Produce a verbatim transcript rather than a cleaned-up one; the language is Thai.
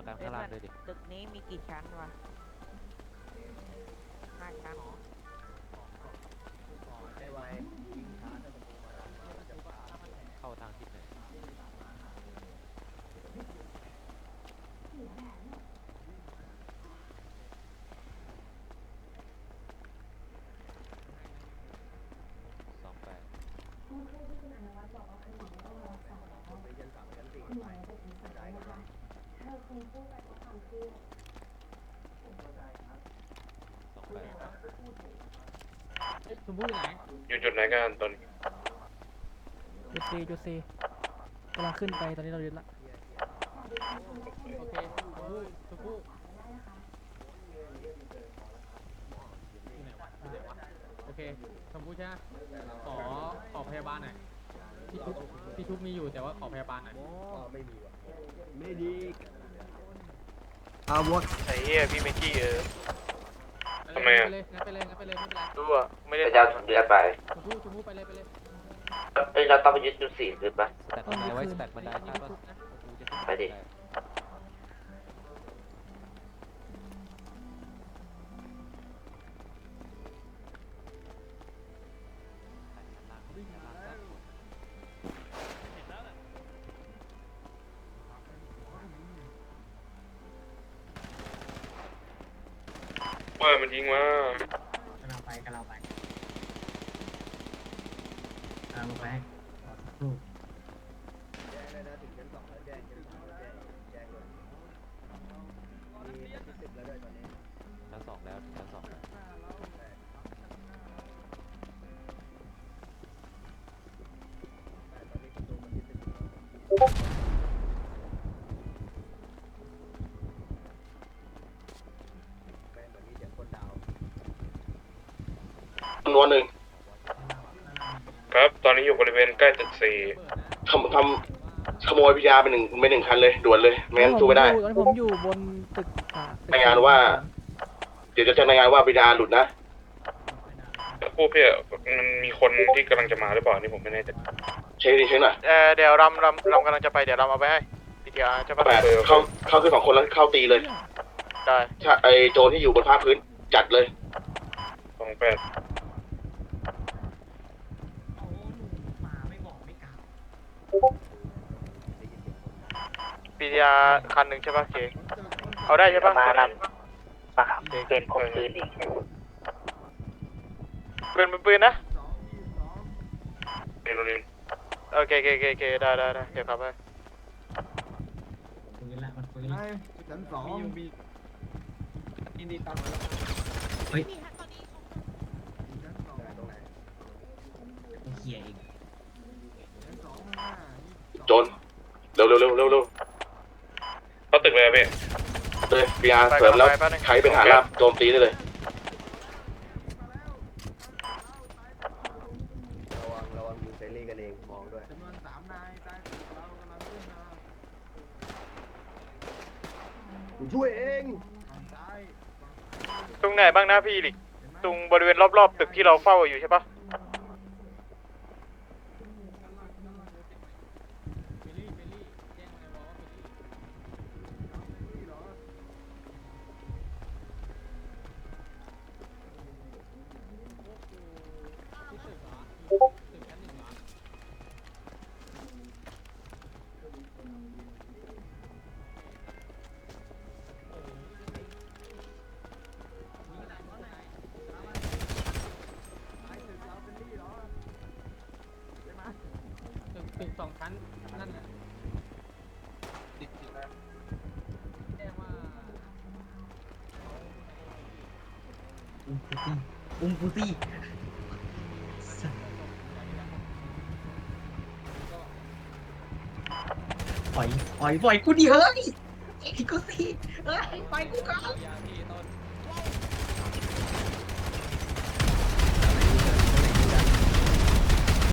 กันข้างล่างด้วยดิตึกนี้มีกี่ชั้นวะห้าชั้นเข้าทางทิศไหนสองแปดสองแปดชมพู่อยู่ไหนอยู่จุดไหนกันตอนนี้จุดซีจุดซีกำลังขึ้นไปตอนนี้เรายึดละโอเคชมพู่ชมพู่อยู่ไหนวะอยู่ไหนวะโอเคชมพู่ใช่ไหมขอขอพยาบาลหน่อยพี่ชุบพี่ชุบมีอยู่แต่ว่าขอพยาบาลหน่อยไม่มีว่ะไม่ดีอาวุธไอ้เหี้ยพี่เมจี้เออทำไมอ่ะไปเลยงั้นไปเลยงั้นไปเลยไม่เป็นไรรู้อ่ะไม่ได้พระเจ้าเดือดไปชมพู่ชมพู่ไปเลยไปเลยเอ้ยเราต้องไปยึดจุดสี่ขึ้นปะสแต็กบันไดไว้สแต็กบันไดใช่ปะไปดิเปิดมันยิงมากำลังไปกำลังไปกำลังไปถูกแจ้งเลยนะถึงชั้นสองแล้วแจ้งชั้นสามแล้วแจ้งแจ้งเลยมีที่สิบแล้วด้วยตอนนี้ชั้นสองแล้วชั้นสองแล้วแต่ตอนนี้ประตูมันที่สิบแม่งเหมือนมีเสียงคนดาวจำนวนหนึ่งครับตอนนี้อยู่บริเวณใกล้ตึกสี่ทำทำขโมยพิยาไปหนึ่งไปหนึ่งคันเลยด่วนเลยไม่งั้นสู้ไม่ได้ตอนนี้ผมอยู่บนตึกอ่าตึกรายงานว่า เดี๋ยวจะแจ้งรายงานว่าพิยาหลุดนะผู้พี่มันมีคนที่กำลังจะมาหรือเปล่านี่ผมไม่แน่ใจเช็คดิเช็คหน่อยเออเดี๋ยวรำรำรำกำลังจะไปเดี๋ยวรำเอาไปให้พีทีอาร์ใช่ปะแปดเข้าเข้าคือสองคนแล้วเข้าตีเลยได้ถ้าไอโจรที่อยู่บนภาคพื้นจัดเลยสองแปดพีทีอาร์คันหนึ่งใช่ปะโอเคเอาได้ใช่ปะมาครับเป็นคมคืนอีกปืนเป็นปืนนะนี่โรงเรียนโอเคโอเคโอเคโอเคได้ได้ได้เดี๋ยวครับไปปืนละมันปืนชั้นสองอินดีตังมาแล้วเฮ้ยตรงไหนเขี่ยเองโจรเร็วเร็วเร็วเร็วเร็วเข้าตึกเลยอะพี่เลยพิยาเสริมแล้วใครเป็นฐานราบโจมตีได้เลยระวังระวังยิงเซรี่กันเองมองด้วยจำนวนสามนายใต้ตึกเรากำลังขึ้นมาผมช่วยเองทางซ้ายตรงไหนบ้างนะพี่ลิกตรงบริเวณรอบๆตึกที่เราเฝ้าอยู่ใช่ปะเบลลี่เบลลี่แจ้งในวอลว่าเบลลี่นี่เหรอที่ตึกเหรอตึกชั้นหนึ่งเหรอ ตึกตึกสองชั้นนั่นน่ะติดติดแล้วแจ้งว่าอุ้มกูตี้ปล่อยปล่อยปล่อยกูดิเฮ้ยไอ้กูตี้เฮ้ยปล่อยกูก่อนยาพี่ต้น